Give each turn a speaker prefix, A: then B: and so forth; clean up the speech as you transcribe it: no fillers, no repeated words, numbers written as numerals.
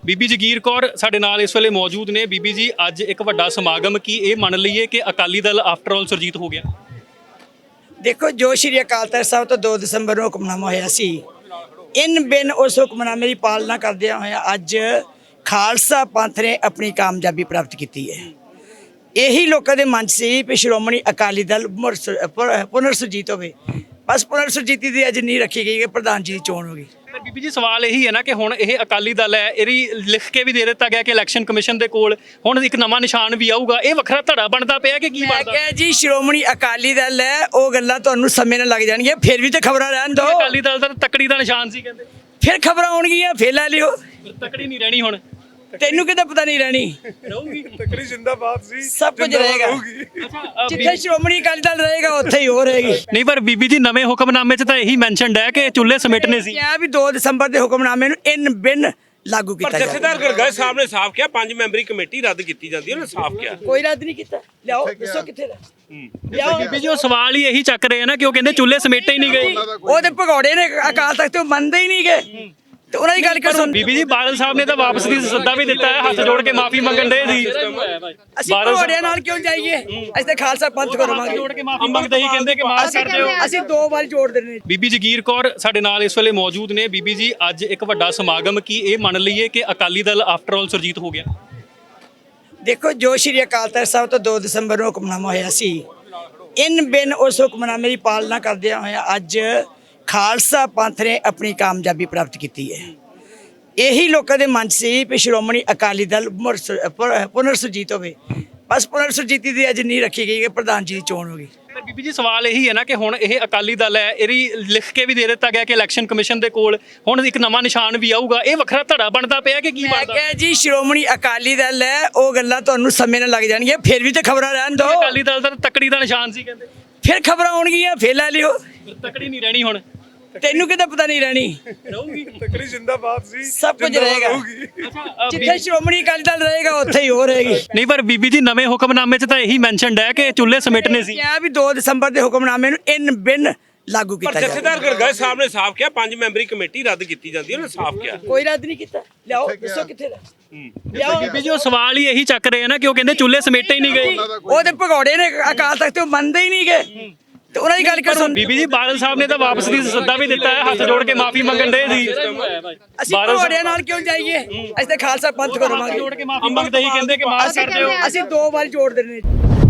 A: ਬੀਬੀ ਜਗੀਰ ਕੌਰ ਸਾਡੇ ਨਾਲ ਇਸ ਵੇਲੇ ਮੌਜੂਦ ਨੇ। ਬੀਬੀ ਜੀ, ਅੱਜ ਇੱਕ ਵੱਡਾ ਸਮਾਗਮ ਕੀ ਇਹ ਮੰਨ ਲਈਏ ਕਿ ਅਕਾਲੀ ਦਲ ਆਫਟਰ ਆਲ ਸੁਰਜੀਤ ਹੋ ਗਿਆ?
B: ਦੇਖੋ, ਜੋ ਸ਼੍ਰੀ ਅਕਾਲ ਤਖਤ ਸਾਹਿਬ ਤੋਂ 2 ਦਸੰਬਰ ਨੂੰ ਹੁਕਮਨਾਮਾ ਹੋਇਆ ਸੀ, ਇਨ ਬਿਨ ਉਸ ਹੁਕਮਨਾਮੇ ਦੀ ਪਾਲਣਾ ਕਰਦਿਆਂ ਹੋਇਆ ਅੱਜ ਖਾਲਸਾ ਪੰਥ ਨੇ ਆਪਣੀ ਕਾਮਯਾਬੀ ਪ੍ਰਾਪਤ ਕੀਤੀ ਹੈ। ਇਹੀ ਲੋਕਾਂ ਦੇ ਮਨ 'ਚ ਸੀ ਕਿ ਸ਼੍ਰੋਮਣੀ ਅਕਾਲੀ ਦਲ ਪੁਨਰ ਸੁਰਜੀਤ ਹੋਵੇ। ਬਸ ਪੁਨਰ ਸੁਰਜੀਤੀ ਦੀ ਅੱਜ ਨਹੀਂ ਰੱਖੀ ਗਈ ਕਿ ਪ੍ਰਧਾਨ ਜੀ ਦੀ ਚੋਣ ਹੋ ਗਈ।
A: ਪਰ ਬੀਬੀ ਜੀ, ਸਵਾਲ ਇਹੀ ਹੈ ਨਾ ਕਿ ਹੁਣ ਇਹ ਅਕਾਲੀ ਦਲ ਹੈ, ਇਹਦੀ ਲਿਖ ਕੇ ਵੀ ਦੇ ਦਿੱਤਾ ਗਿਆ ਕਿ ਇਲੈਕਸ਼ਨ ਕਮਿਸ਼ਨ ਦੇ ਕੋਲ ਹੁਣ ਇੱਕ ਨਵਾਂ ਨਿਸ਼ਾਨ ਵੀ ਆਊਗਾ। ਇਹ ਵੱਖਰਾ ਧੜਾ ਬਣਦਾ ਪਿਆ ਕਿ ਕੀ
B: ਮੈਂ
A: ਬਣਦਾ?
B: ਕਿਹਾ ਜੀ, ਸ਼੍ਰੋਮਣੀ ਅਕਾਲੀ ਦਲ ਹੈ, ਉਹ ਗੱਲਾਂ ਤੁਹਾਨੂੰ ਸਮੇਂ ਨਾਲ ਲੱਗ ਜਾਣਗੀਆਂ। ਫਿਰ ਵੀ ਤੇ ਖਬਰਾਂ ਰਹਿਣ ਦਿਓ।
A: ਅਕਾਲੀ ਦਲ ਦਾ ਤਕੜੀ ਦਾ ਨਿਸ਼ਾਨ ਸੀ ਕਹਿੰਦੇ।
B: ਫਿਰ ਖਬਰਾਂ ਆਉਣਗੀਆਂ, ਫਿਰ ਲੈ ਲਿਓ।
A: ਤਕੜੀ ਨਹੀਂ ਰਹਿਣੀ ਹੁਣ।
B: ਤੈਨੂੰ ਕਿਤੇ ਪਤਾ ਨਹੀਂ ਰਹਿਣੀ।
A: ਰਹੂਗੀ
C: ਤਕੜੀ ਜ਼ਿੰਦਾਬਾਦ ਸੀ,
B: ਸਭ ਕੁਝ ਰਹੇਗਾ।
A: ਅੱਛਾ,
B: ਜਿੱਥੇ ਸ਼੍ਰੋਮਣੀ ਅਕਾਲੀ ਦਲ ਰਹੇਗਾ ਉੱਥੇ ਹੀ ਹੋ ਰਹੇਗੀ।
A: ਨਹੀਂ, ਪਰ ਬੀਬੀ ਜੀ, ਨਵੇਂ ਹੁਕਮਨਾਮੇ 'ਚ ਤਾਂ ਇਹੀ ਮੈਂਸ਼ਨਡ ਹੈ ਕਿ ਚੁੱਲ੍ਹੇ ਸਮੇਟਨੇ ਸੀ।
B: ਕਿਹਾ ਵੀ 2 ਦਸੰਬਰ ਦੇ ਹੁਕਮਨਾਮੇ ਨੂੰ ਇਨ ਬਿਨ ਲਾਗੂ ਕੀਤਾ ਜਾਵੇ।
C: ਜਥੇਦਾਰ ਗਰਗਾਈ ਸਾਹਿਬ ਨੇ ਸਾਫ਼ ਕਿਹਾ 5 ਮੈਂਬਰੀ ਕਮੇਟੀ ਰੱਦ ਕੀਤੀ ਜਾਂਦੀ ਹੈ। ਉਹਨੇ ਸਾਫ਼ ਕਿਹਾ
B: ਕੋਈ ਰੱਦ ਨਹੀਂ ਕੀਤਾ। ਲਿਆਓ, ਦੱਸੋ ਕਿੱਥੇ ਦਾ ਲਿਆਓ।
A: ਬੀਬੀ ਜੀ, ਉਹ ਸਵਾਲ ਹੀ ਇਹੀ ਚੱਕ ਰਹੇ ਆ ਨਾ ਕਿ ਉਹ ਕਹਿੰਦੇ ਚੁੱਲ੍ਹੇ ਸਮੇਟੇ ਹੀ ਨਹੀਂ ਗਏ।
B: ਉਹ ਤੇ ਭਗੌੜੇ ਨੇ ਅਕਾਲ ਤਖਤ ਤੋਂ ਮੰਨਦੇ ਹੀ ਨਹੀਂ ਗਏ, ਤੇ ਉਹਨਾਂ ਦੀ ਗੱਲ ਕਰ ਸੁਣ।
A: ਬੀਬੀ ਜੀ, ਬਾਦਲ ਸਾਹਿਬ ਨੇ ਤਾਂ ਵਾਪਸ ਦੀ ਸੱਦਾ ਵੀ ਦਿੱਤਾ ਹੈ, ਹੱਥ ਜੋੜ ਕੇ ਮਾਫੀ ਮੰਗਣ ਦੇ ਸੀ।
B: ਅਸੀਂ ਭਗੌੜਿਆਂ ਨਾਲ ਕਿਉਂ ਜਾਈਏ? ਅਸੀਂ ਤਾਂ ਖਾਲਸਾ ਪੰਥ ਕਰਵਾਵਾਂਗੇ।
A: ਜੋੜ ਕੇ ਮਾਫੀ ਮੰਗਦੇ ਹੀ ਕਹਿੰਦੇ ਕਿ ਮਾਫ ਕਰ ਦਿਓ।
B: ਅਸੀਂ 2 ਵਾਰ ਜੋੜ ਦੇਣੇ।
A: ਬੀਬੀ ਜਗੀਰ ਕੌਰ ਸਾਡੇ ਨਾਲ ਇਸ ਵੇਲੇ ਮੌਜੂਦ ਨੇ। ਬੀਬੀ ਜੀ, ਅੱਜ ਇੱਕ ਵੱਡਾ ਸਮਾਗਮ ਕੀ ਇਹ ਮੰਨ ਲਈਏ ਕਿ ਅਕਾਲੀ ਦਲ ਆਫਟਰ ਆਲ ਸੁਰਜੀਤ ਹੋ ਗਿਆ?
B: ਦੇਖੋ, ਜੋ ਸ਼੍ਰੀ ਅਕਾਲ ਤਖਤ ਸਾਹਿਬ ਤੋਂ 2 ਦਸੰਬਰ ਨੂੰ ਹੁਕਮਨਾਮਾ ਹੋਇਆ ਸੀ, ਇਨ ਬਿਨ ਉਸ ਹੁਕਮਨਾਮੇ ਦੀ ਪਾਲਣਾ ਕਰਦਿਆਂ ਹੋਇਆ ਅੱਜ ਖਾਲਸਾ ਪੰਥ ਨੇ ਆਪਣੀ ਕਾਮਯਾਬੀ ਪ੍ਰਾਪਤ ਕੀਤੀ ਹੈ। ਇਹੀ ਲੋਕਾਂ ਦੇ ਮਨ 'ਚ ਸੀ ਕਿ ਸ਼੍ਰੋਮਣੀ ਅਕਾਲੀ ਦਲ ਪੁਨਰ ਸੁਰਜੀਤ ਹੋਵੇ। ਬਸ ਪੁਨਰ ਸੁਰਜੀਤੀ ਦੀ ਅੱਜ ਨਹੀਂ ਰੱਖੀ ਗਈ ਕਿ ਪ੍ਰਧਾਨ ਜੀ ਦੀ ਚੋਣ ਹੋ ਗਈ।
A: ਪਰ ਬੀਬੀ ਜੀ, ਸਵਾਲ ਇਹੀ ਹੈ ਨਾ ਕਿ ਹੁਣ ਇਹ ਅਕਾਲੀ ਦਲ ਹੈ, ਇਹਦੀ ਲਿਖ ਕੇ ਵੀ ਦੇ ਦਿੱਤਾ ਗਿਆ ਕਿ ਇਲੈਕਸ਼ਨ ਕਮਿਸ਼ਨ ਦੇ ਕੋਲ ਹੁਣ ਇੱਕ ਨਵਾਂ ਨਿਸ਼ਾਨ ਵੀ ਆਊਗਾ। ਇਹ ਵੱਖਰਾ ਧੜਾ ਬਣਦਾ ਪਿਆ ਕਿ ਕੀ
B: ਮੈਂ
A: ਬਣਦਾ?
B: ਕਿਹਾ ਜੀ, ਸ਼੍ਰੋਮਣੀ ਅਕਾਲੀ ਦਲ ਹੈ, ਉਹ ਗੱਲਾਂ ਤੁਹਾਨੂੰ ਸਮੇਂ ਨਾਲ ਲੱਗ ਜਾਣਗੀਆਂ। ਫਿਰ ਵੀ ਤੇ ਖਬਰਾਂ ਰਹਿਣ ਦਿਓ।
A: ਅਕਾਲੀ ਦਲ ਦਾ ਤਕੜੀ ਦਾ ਨਿਸ਼ਾਨ ਸੀ ਕਹਿੰਦੇ।
B: ਫਿਰ ਖਬਰਾਂ ਆਉਣਗੀਆਂ, ਫਿਰ ਲੈ ਲਿਓ।
A: ਤਕੜੀ ਨਹੀਂ ਰਹਿਣੀ ਹੁਣ।
B: ਤੈਨੂੰ ਕਿਤੇ ਪਤਾ ਨਹੀਂ ਰਹਿਣੀ।
A: ਰਹੂਗੀ।
C: ਤਕੜੀ ਜ਼ਿੰਦਾਬਾਦ ਸੀ,
B: ਸਭ ਕੁਝ ਰਹੇਗਾ। ਜਿੱਥੇ ਸ਼੍ਰੋਮਣੀ ਅਕਾਲੀ ਦਲ ਰਹੇਗਾ ਉੱਥੇ ਹੀ ਹੋ ਰਹੇਗੀ।
A: ਨਹੀਂ, ਪਰ ਬੀਬੀ ਜੀ, ਨਵੇਂ ਹੁਕਮਨਾਮੇ 'ਚ ਤਾਂ ਇਹੀ ਮੈਂਸ਼ਨਡ ਹੈ ਕਿ ਚੁੱਲ੍ਹੇ ਸਮੇਟਨੇ ਸੀ।
B: ਕਿਹਾ ਵੀ 2 ਦਸੰਬਰ ਦੇ ਹੁਕਮਨਾਮੇ ਨੂੰ ਇਨ ਬਿਨ ਲਾਗੂ ਕੀਤਾ ਜਾਵੇ।
C: ਜਥੇਦਾਰ ਗਰਗਾਈ ਸਾਹਿਬ ਨੇ ਸਾਫ਼ ਕਿਹਾ 5 ਮੈਂਬਰੀ ਕਮੇਟੀ ਰੱਦ ਕੀਤੀ ਜਾਂਦੀ ਹੈ। ਉਹਨੇ ਸਾਫ਼ ਕਿਹਾ
B: ਕੋਈ ਰੱਦ ਨਹੀਂ ਕੀਤਾ। ਲਿਆਓ, ਦੱਸੋ ਕਿੱਥੇ ਦਾ ਲਿਆਓ।
A: ਬੀਬੀ ਜੀ, ਉਹ ਸਵਾਲ ਹੀ ਇਹੀ ਚੱਕ ਰਹੇ ਆ ਨਾ ਕਿ ਉਹ ਕਹਿੰਦੇ ਚੁੱਲ੍ਹੇ ਸਮੇਟੇ ਹੀ ਨਹੀਂ ਗਏ।
B: ਉਹ ਤੇ ਭਗੌੜੇ ਨੇ ਅਕਾਲ ਤਖਤ ਤੋਂ ਮੰਨਦੇ ਹੀ ਨਹੀਂ ਗਏ, ਤੇ ਉਹਨਾਂ ਦੀ ਗੱਲ ਕਰ ਸੁਣ।
A: ਬੀਬੀ ਜੀ, ਬਾਦਲ ਸਾਹਿਬ ਨੇ ਤਾਂ ਵਾਪਸ ਦੀ ਸੱਦਾ ਵੀ ਦਿੱਤਾ ਹੈ, ਹੱਥ ਜੋੜ ਕੇ ਮਾਫੀ ਮੰਗਣ ਦੇ ਸੀ।
B: ਅਸੀਂ ਭਗੌੜਿਆਂ ਨਾਲ ਕਿਉਂ ਜਾਈਏ? ਅਸੀਂ ਤਾਂ ਖਾਲਸਾ ਪੰਥ ਕਰਵਾਵਾਂਗੇ।
A: ਜੋੜ ਕੇ ਮਾਫੀ ਮੰਗਦੇ ਹੀ ਕਹਿੰਦੇ ਕਿ ਮਾਫ ਕਰ ਦਿਓ।
B: ਅਸੀਂ 2 ਵਾਰ ਜੋੜ ਦੇਣੇ।